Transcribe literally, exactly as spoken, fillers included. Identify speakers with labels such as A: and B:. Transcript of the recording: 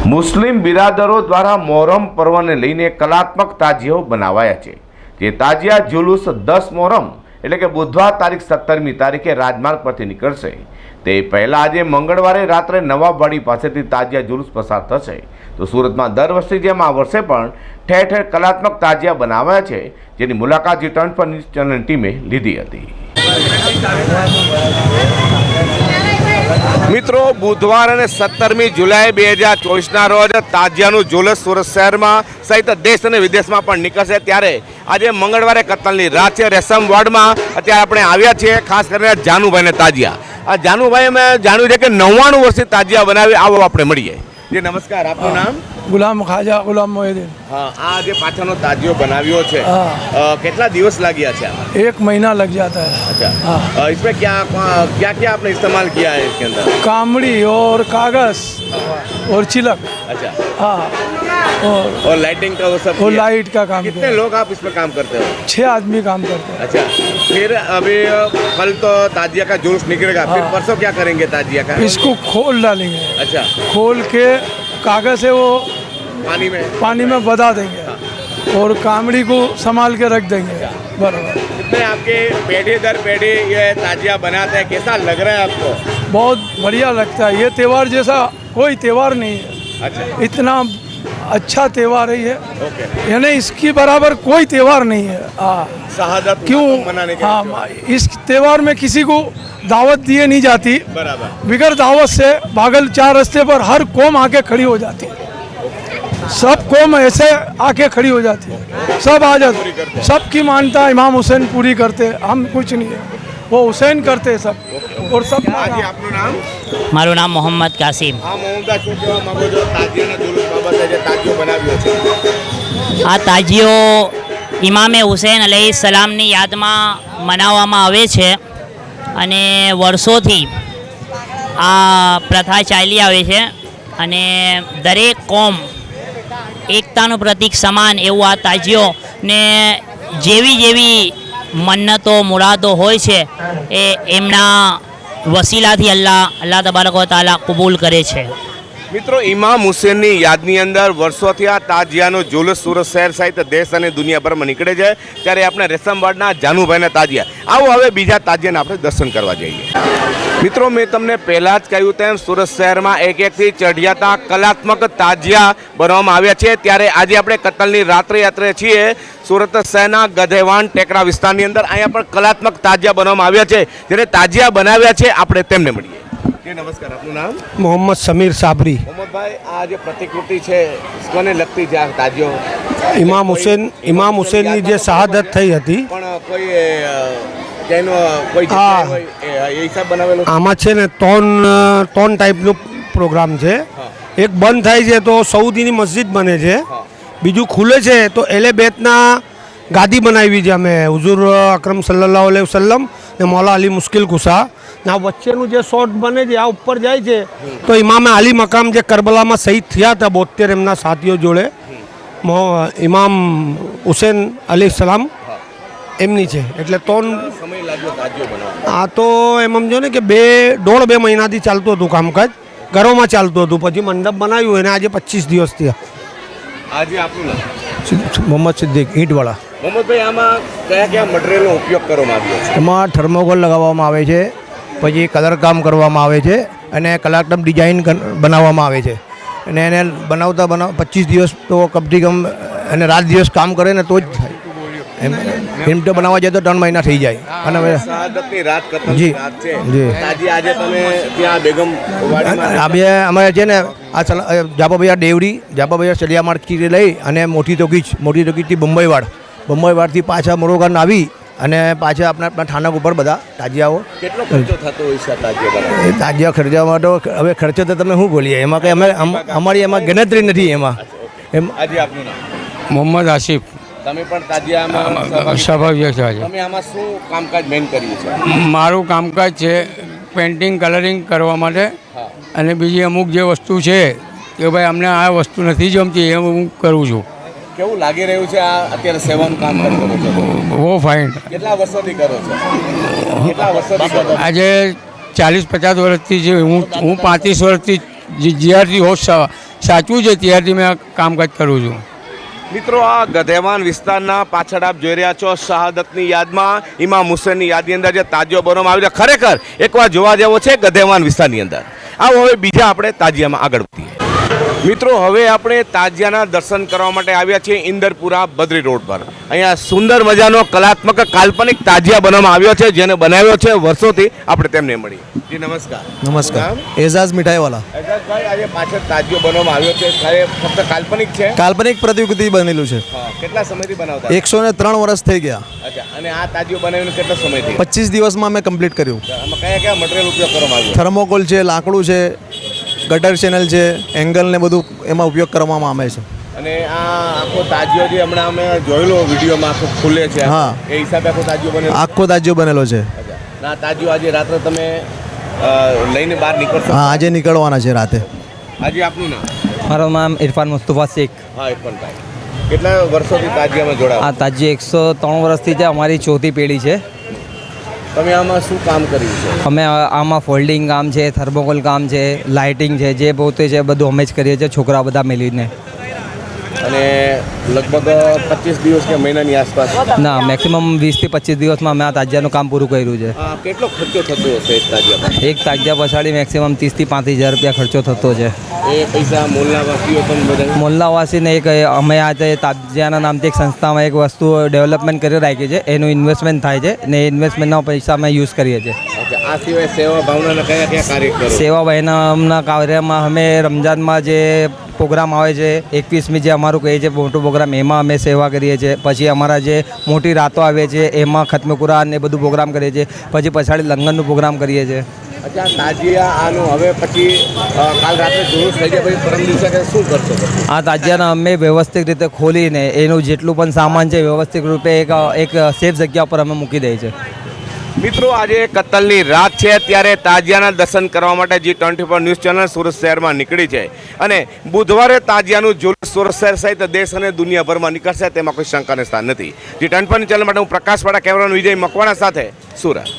A: મુસ્લિમ બિરાદરો દ્વારા મોહરમ પર્વને લઈને કલાત્મક તાજિયાઓ બનાવાયા છે। જે તાજિયા જુલુસ દસ મોહરમ એટલે કે બુધવાર તારીખ સત્તરમી તારીખે રાજમાર્ગ પરથી નીકળશે। તે પહેલાં આજે મંગળવારે રાત્રે નવાબવાડી પાસેથી તાજિયા જુલુસ પસાર થશે। તો સુરતમાં દર વર્ષે જેમ આ વર્ષે પણ ઠેર ઠેર કલાત્મક તાજિયા બનાવાયા છે, જેની મુલાકાત G twenty four news channel ટીમે લીધી હતી। મિત્રો, बुधवार और सत्तरमी जुलाई બે હજાર ચોવીસના રોજ તાજિયાનું ઝુલસ સુરત શહેરમાં સહિત દેશ અને વિદેશમાં પણ નીકળશે। ત્યારે આજે મંગળવારે કતલની રાત છે। રેશમ વોર્ડમાં અત્યારે આપણે આવ્યા છીએ, ખાસ કરીને જાનુભાઈને તાજિયા। આ જાનુભાઈ અમે જાણ્યું છે કે નવ્વાણું વર્ષથી તાજિયા બનાવી। આવો આપણે મળીએ। जी नमस्कार, आपનું નામ?
B: गुलाम खाजा गुलाम मोहिद्दीन।
A: हाँ, આ જે પાછળનો તાજિયો બનાવ્યો છે, કેટલા દિવસ લાગ્યા છે આમાં?
B: एक महीना लग जाता है।
A: अच्छा,
B: हाँ।
A: इसमें क्या क्या क्या आपने इस्तेमाल किया है इसके अंदर?
B: कामड़ी और कागज और चिलक।
A: अच्छा,
B: हाँ, और
A: और लाइटिंग का वो सब
B: और
A: किया?
B: लाइट का काम
A: कितने
B: किया।
A: लोग आप इसमें काम करते हो?
B: छह आदमी काम करते हैं।
A: अच्छा, फिर अभी कल तो ताजिया का जुलूस निकलेगा, फिर
B: हाँ।
A: परसों क्या करेंगे ताजिया का?
B: इसको खोल डालेंगे।
A: अच्छा,
B: खोल के कागज से वो
A: पानी में
B: पानी में बधा देंगे और कामड़ी को संभाल के रख देंगे। बराबर।
A: कितने आपके पेढ़ी दर पेढ़ी ये ताजिया बनाते हैं, कैसा लग रहा है आपको?
B: बहुत बढ़िया लगता है। ये त्यौहार जैसा कोई त्यौहार नहीं है।
A: अच्छा,
B: इतना अच्छा त्यौहार है ये,
A: ओके।
B: यानी इसकी बराबर कोई त्यौहार नहीं है। हाँ,
A: शहादत
B: क्यों?
A: मनाने के
B: हाँ,
A: लिए।
B: इस त्यौहार में किसी को दावत दिए नहीं जाती।
A: बराबर।
B: बिगर दावत से भागल चार रास्ते पर हर कौम आके खड़ी हो जाती है। सब कौम ऐसे आके खड़ी हो जाती है, सब आ जाते। सबकी मानता इमाम हुसैन पूरी करते, हम कुछ नहीं है, वो हुसैन करते सब। और सब
A: આજે આપનું નામ?
C: મારું નામ મોહમ્મદ કાસિમ।
A: હા, મોહમ્મદ, શું કહેવા માંગો છો તાજિયાના જુલુસ બાબતે જે તાજિયો બનાવ્યો છે?
C: આ તાજિયો ઇમામે હુસૈન અલૈહિ સલામની યાદમાં મનાવવામાં આવે છે અને વર્ષોથી આ પ્રથા ચાલી આવે છે અને દરેક કોમ એકતાનું પ્રતીક સમાન એવું આ તાજિયો ને જેવી જેવી મન્નતો મુરાદો હોય છે એ એમના વસીલાથી અલ્લાહ અલ્લાહ તબારક વ તઆલા કબૂલ કરે છે।
A: મિત્રો, ઇમામ હુસેનની યાદની અંદર વર્ષોથી આ તાજિયાનો જુલુસ સુરત શહેર સહિત દેશ અને દુનિયાભરમાં નીકળે છે। ત્યારે આપણે રેશમવાડના જાનુભાઈના તાજિયા, આવો હવે બીજા તાજિયાને આપણે દર્શન કરવા જઈએ। મિત્રો, મેં તમને પહેલાં જ કહ્યું તેમ સુરત શહેરમાં એક એકથી ચઢિયાતા કલાત્મક તાજિયા બનાવવામાં આવ્યા છે। ત્યારે આજે આપણે કતલની રાત્રે યાત્રે છીએ સુરત શહેરના ગધેવાન ટેકરા વિસ્તારની અંદર। અહીંયા પણ કલાત્મક તાજિયા બનાવવામાં આવ્યા છે, જેને તાજિયા બનાવ્યા છે આપણે તેમને મળીએ। जी नमस्कार, आपનું નામ?
D: मोहम्मद समीर साबरी।
A: मोहम्मद भाई, आ जो प्रतिकृति है कोने लगती है आ ताजियो?
D: इमाम हुसैन इमाम हुसैननी जे शहादत થઈ હતી
A: પણ કોઈ જેનો કોઈ
D: હા।
A: જગ્યાએ હોય એ હિસાબ બનાવેલો છે?
D: આમાં છે ને ત્રણ ત્રણ ટાઈપનો પ્રોગ્રામ છે। એક બંધ થાય છે તો સઉદીની મસ્જિદ બને છે, બીજું ખુલે છે તો એલે બેતના ગાદી બનાવી છે અમે હુઝુર અકરમ સલ્લલ્લાહુ અલૈહિ વસલ્લમ ને મૌલા અલી મુશ્કિલ કુસા ના વચ્ચેનું જે શોર્ટ બને છે આ ઉપર જાય છે તો ઇમામે અલી મકામ જે કરબલામાં શહીદ થયા હતા બોતેર એમના સાથીઓ જોડે ઇમામ હુસેન અલી સલામ એમની છે। એટલે ત્રણ
A: સમય લાગ્યો તાજિયો બનાવવા?
D: આ તો એમ સમજો ને કે બે દોઢ બે મહિનાથી ચાલતું હતું કામકાજ, ઘરોમાં ચાલતું હતું, પછી મંડપ બનાવ્યું અને આજે પચીસ દિવસ થયા।
A: આજે આપનું નામ?
E: મોહમ્મદ સિદ્દીક ઈંટવાળા।
A: મોહમ્મદ ભાઈ, આમાં કયા કયા મટીરિયલનો ઉપયોગ કરવામાં આવ્યો છે?
E: એમાં થર્મોકોલ લગાવવામાં આવે છે, પછી કલર કામ કરવામાં આવે છે અને કલાત્મક ડિઝાઇન બનાવવામાં આવે છે અને એને બનાવતા બનાવ પચીસ દિવસ તો કમથી કમ અને રાત દિવસ કામ કરે ને તો જ થાય। એમ એમ તો બનાવવા જાય તો ત્રણ મહિના થઈ જાય। અને હવે
A: શહાદતની રાત, કતલની
E: જી
A: રાત છે,
E: જી।
A: તાજી આજે તમે ત્યાં બેગમ વાડીમાં
E: આ બે અમારે છે ને આ જાપાભૈયા ડેવડી જાપાભૈયા ચલિયા માર્કેટથી લઈ અને મોટી તોકીજ મોટી તોકીજથી બંબઈવાડ બંબઈવાડથી પાછા મોરોગાન આવી અને પાછા આપણા આપણા ઠાણક ઉપર બધા તાજિયાઓ।
A: કેટલો ખર્ચો થતો હોય છે તાજિયા બનાવવા?
E: એ તાજિયા ખર્ચામાં તો હવે ખર્ચો તો તમે શું બોલીએ, એમાં કંઈ અમે અમારી એમાં ગણતરી નથી એમાં એમ।
A: આજે આપનું નામ?
F: મોહમ્મદ આસિફ।
A: તમે પણ તાજિયામાં
F: સ્વાભાવિક છે।
A: તમે આમાં શું કામકાજ મેન કર્યું છે?
F: મારું કામકાજ છે પેઇન્ટિંગ કલરિંગ કરવા માટે
A: હા।
F: અને બીજી અમુક જે વસ્તુ છે કે ભાઈ અમને આ વસ્તુ નથી જમતી એ હું કરું છું।
A: કેવું લાગી રહ્યું છે આ અત્યારે સેવાનું કામ કરો છો?
F: બહુ ફાઇન।
A: કેટલા વર્ષોથી કરો છો? કેટલા વર્ષોથી કરો છો?
F: આજે ચાલીસ પચાસ વર્ષથી જે હું હું પાંત્રીસ વર્ષથી જીઆરટી હોસ્ટ સાચવું છે ત્યારથી મેં આ કામકાજ કરું છું.
A: મિત્રો આ ગધેવાન વિસ્તારના પાછળ આપ જોઈ રહ્યા છો શહાદતની યાદમાં ઇમામ હુસેનની યાદની અંદર જે તાજિયો બનાવવામાં આવ્યો છે, ખરેખર એકવાર જોવા જેવો છે ગધેવાન વિસ્તારની અંદર. આવો હવે બીજા આપણે તાજિયામાં આગળ વધીએ. મિત્રો હવે આપણે તાજિયાના દર્શન કરવા માટે આવ્યા છીએ ઇન્દરપુરા બદ્રી રોડ પર. અહીંયા સુંદર મજાનો કલાત્મક કાલ્પનિક તાજિયા બનાવવામાં આવ્યો છે, જેને બનાવ્યો છે વર્ષોથી. આપણે તેમને મળીએ. જી નમસ્કાર.
G: નમસ્કાર.
A: નામ?
G: એઝાઝ મીઠાઈવાલા.
A: એજાજભાઈ, આજે પાછળ તાજિયો બનાવવામાં આવ્યો છે, ખરે ફક્ત કાલ્પનિક છે?
G: કાલ્પનિક પ્રતિકૃતિ બનેલું છે.
A: હા. કેટલા સમયથી બનાવતા?
G: એકસો ને ત્રણ વર્ષ થઈ ગયા.
A: અચ્છા. અને આ તાજિયો બનાવીને કેટલો સમય થયો?
G: પચીસ દિવસમાં મેં કમ્પ્લીટ કર્યું.
A: આમાં કયા કયા મટીરિયલ ઉપયોગ કરવામાં આવ્યો?
G: થર્મોકોલ છે, લાકડું છે, ગટર ચેનલ છે, એંગલ ને બધું એમાં ઉપયોગ કરવામાં આવે છે.
A: અને આ આખો તાજિયો જે હમણાં અમે જોયેલો વિડીયોમાં આખો ખુલે છે,
G: હા.
A: એ હિસાબે આખો તાજિયો બને.
G: આખો તાજિયો બનેલો છે.
A: ના તાજિયો આજે રાત્રે તમે અ, લઈને બહાર નીકળશો?
G: હા, આજે નીકળવાના છે રાતે.
A: આજે આપનું નામ?
H: મારું નામ ઇરફાન મુસ્તફા શેખ.
A: હા, ઇરફાનભાઈ. કેટલા વર્ષોથી તાજિયામાં જોડાવા?
H: આ તાજી એકસો ત્રણ વર્ષથી છે, અમારી ચોથી પેઢી છે.
A: તમે આમાં શું કામ કર્યું છે?
H: અમે આ- આમાં ફોલ્ડિંગ કામ છે, થર્મોકોલ કામ છે, લાઇટિંગ છે, જે પોતે છે બધું અમે જ કરીએ છીએ, છોકરા બધા મળીને.
A: અને લગભગ પચીસ દિવસ કે મહિનાની આસપાસ.
H: ના, મેક્સિમમ વીસથી પચીસ દિવસમાં અમે આ તાજિયાનું કામ પૂરું કર્યું છે.
A: આ કેટલો ખર્ચો થતો હશે એક તાજિયામાં?
H: એક તાજિયા પછાડી મેક્સિમમ ત્રીસથી પાંત્રીસ હજાર રૂપિયા ખર્ચો થતો છે.
A: એ પૈસા મોલના વાસીઓ પણ બધા?
H: મોલ્લાવાસીને એક અમે આ તે તાજિયાના નામથી એક સંસ્થામાં એક વસ્તુ ડેવલપમેન્ટ કરી રાખી છે, એનું ઇન્વેસ્ટમેન્ટ થાય છે ને એ ઇન્વેસ્ટમેન્ટના પૈસા અમે યુઝ કરીએ છીએ.
A: અચ્છા. આ સિવાય સેવા ભાવનાના કયા કયા કાર્ય કરો?
H: સેવા બહેનના કાર્યમાં અમે રમજાનમાં જે પ્રોગ્રામ આવે છે, એકવીસમી જે અમારું કહે છે મોટો પ્રોગ્રામ, એમાં અમે સેવા કરીએ છીએ. પછી અમારા જે મોટી રાતો આવે છે એમાં ખત્મ કુરાન ને બધું પ્રોગ્રામ કરીએ છીએ. પછી પછાડી લંગરનું પ્રોગ્રામ કરીએ છીએ.
A: અચ્છા. તાજિયા આનું હવે પછી અ, કાલ રાત્રે જુલુસ થઈ જાય પછી પરમ દિવસે કે શું કરશો પછી?
H: આ તાજિયાને અમે વ્યવસ્થિત રીતે ખોલીને એનું જેટલું પણ સામાન છે વ્યવસ્થિત રૂપે એક એક સેફ જગ્યા પર અમે મૂકી દઈએ છીએ.
A: મિત્રો આજે કતલની રાત છે, ત્યારે તાજિયાના દર્શન કરવા માટે G twenty four news channel Surat શહેરમાં નીકળી છે. અને બુધવારે તાજિયાનું જુલુસ સુરત શહેર સહિત દેશ અને દુનિયાભરમાં નીકળશે, તેમાં કોઈ શંકાને સ્થાન નથી. જી ટ્વેન્ટી ફોર ચેનલ માટે હું પ્રકાશ વાળા કેમેરાનો વિજય મકવાણા સાથે સુરત.